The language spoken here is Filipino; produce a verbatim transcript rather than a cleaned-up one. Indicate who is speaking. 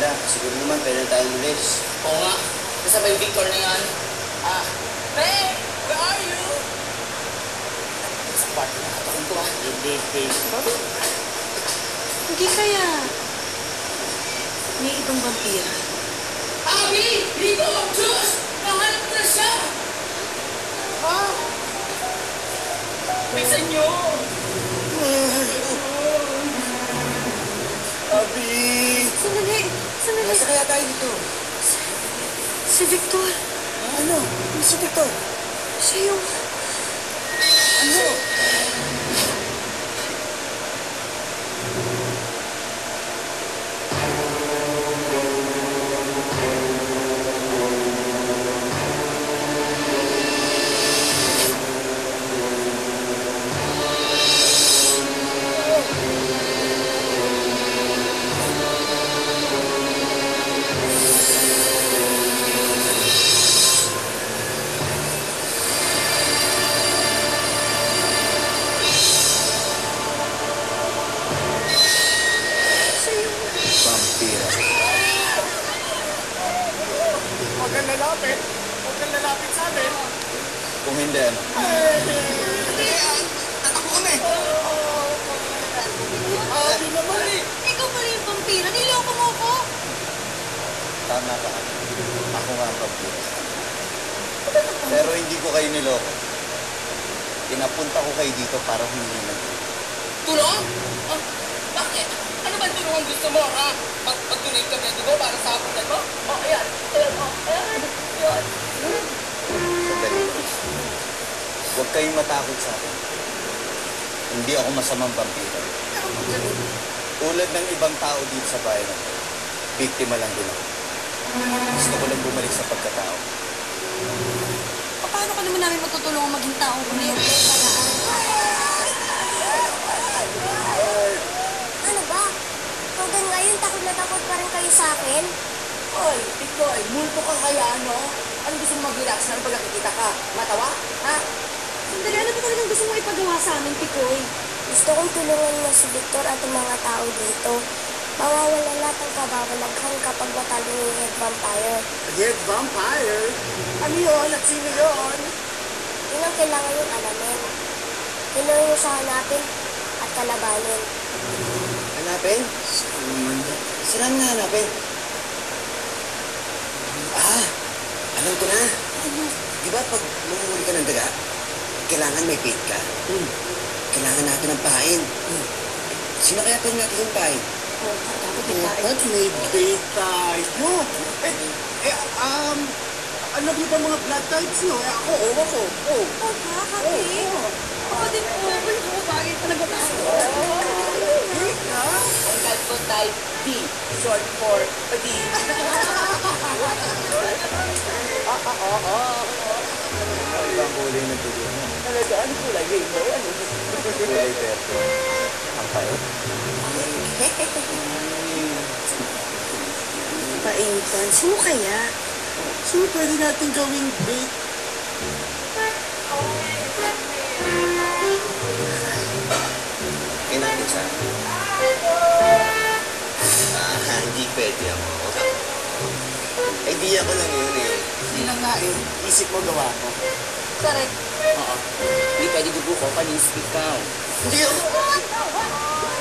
Speaker 1: sila. Siguro naman, pwede na tayong ulis.
Speaker 2: Oo nga. Kasabay Victor na yan. Ah, Ray! Where are you? Sa kwarto na katakin ko ah.
Speaker 1: Hindi, Dave.
Speaker 3: Hindi kaya. May ibang vampira.
Speaker 2: Abby! Rico! Diyos! Nahanap ko na siya! Ha? Bisa nyo!
Speaker 1: Abi!
Speaker 3: Sandali! Sandali!
Speaker 1: Nasa kaya tayo dito?
Speaker 3: Si Victor.
Speaker 1: Ano? Ano si Victor?
Speaker 3: Siya yung...
Speaker 1: Ano? Vampira.
Speaker 4: Huwag kang lalapit. Huwag kang lalapit sa amin.
Speaker 1: Kung hindi, ano?
Speaker 4: Tatakbo kami. Abi naman eh.
Speaker 3: Ikaw pala yung vampira. Niloko mo ko.
Speaker 1: Tama ka. Ako nga ang vampira. Pero hindi ko kayo niloko. Pinapunta ko kayo dito para humingi ng tulong.
Speaker 2: Tulong? Ah, bakit? Ano ba tulong ang gusto mo, ha? Mag Pag-donate ka medyo para sa apunan mo? Oh, ayan. Ayan, oh. Ayan. Ayan.
Speaker 1: Sandali. Huwag kayong matakot sa akin. Hindi ako masamang vampira. Tulad ng ibang tao dito sa bahay na to, biktima lang din ako. Gusto ko lang bumalik sa pagkatao.
Speaker 3: Paano ka naman namin matutulungan maging tao ulit?
Speaker 5: Ano ba? Hanggang ngayon, takot na takot pa rin kayo sa akin?
Speaker 2: Oy, Pikoy, multo ka kaya, ano? Ano gusto mo mag-relax na pag nakikita ka? Matawa? Ha?
Speaker 3: Sandali, ano ba talagang gusto mong ipagawa sa amin, Pikoy?
Speaker 5: Gusto kong tulungan mo si Victor at ang mga tao dito. Mawawala lahat ng kababalaghan kapag matalo yung head vampire.
Speaker 4: Head vampire? Ano yun? At sino yun?
Speaker 5: Yun ang kailangan yung alamin. Kailangan mo siya hanapin at kalabanin.
Speaker 1: Hanapin? Saan nga hanapin? Ah, alam ko na. Di ba pag mamumuli ka ng daga, kailangan may bait ka? Hmm. Kailangan natin ng pain. Hmm. Sino kaya pwede natin yung pain?
Speaker 3: Oh, dapat may
Speaker 4: Dapat
Speaker 3: kain.
Speaker 4: may date tayo. Eh, eh, um, ano ba mga blood types nyo? Eh, ako, oo ako. Oo.
Speaker 3: Oh, kakapi. Ako din po. Wala ko bagay talaga tayo.
Speaker 2: Ang type ko type D, short for D.
Speaker 1: Ibang kulay ng tuloy mo.
Speaker 2: Talaga, ano kulay? Rainbow? Ano?
Speaker 1: Kulay verde. Ang payo.
Speaker 3: Paintan. Sino kaya?
Speaker 4: Sino pwede natin gawing date?
Speaker 1: Kaya natin sa akin. Ah, hindi pwede ako. Idea ko lang yun eh.
Speaker 4: Hindi lang nga eh. Isip mo gawa ko.
Speaker 3: Correct.
Speaker 2: Oo. Hindi pwede dugo ko, panis ikaw.
Speaker 1: Hindi ako.